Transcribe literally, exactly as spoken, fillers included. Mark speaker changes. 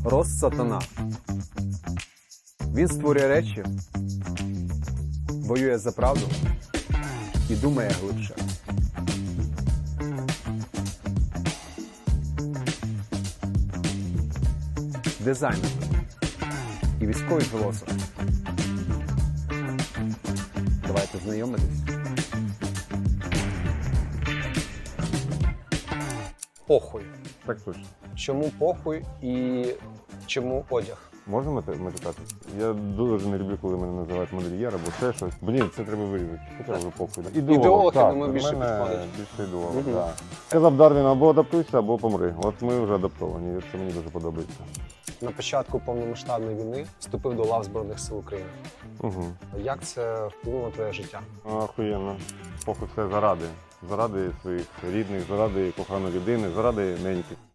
Speaker 1: Рост сатана. Він створює речі, воює за правду і думає глибше. Дизайнер і військовий філософ. Давайте знайомитись.
Speaker 2: Похуй.
Speaker 3: Так точно.
Speaker 2: Чому похуй і чому одяг?
Speaker 3: Можна мати- матюкати? Я дуже не люблю, коли мене називають модельєр або ще щось. Блін, це треба вирізати. Хоча вже похуй.
Speaker 2: Ідеолог, я
Speaker 3: так,
Speaker 2: думаю,
Speaker 3: до
Speaker 2: більше
Speaker 3: мене
Speaker 2: підходить.
Speaker 3: більше ідеолог,
Speaker 2: Мгм.
Speaker 3: так. Сказав Дарвін, або адаптуйся, або помри. От ми вже адаптовані, і це мені дуже подобається.
Speaker 2: На початку повномасштабної війни вступив до лав Збройних сил України.
Speaker 3: Угу.
Speaker 2: Як це вплинуло на твоє життя?
Speaker 3: Охуєнно. Похуй все заради. Заради своїх рідних, заради коханої людини, заради неньки.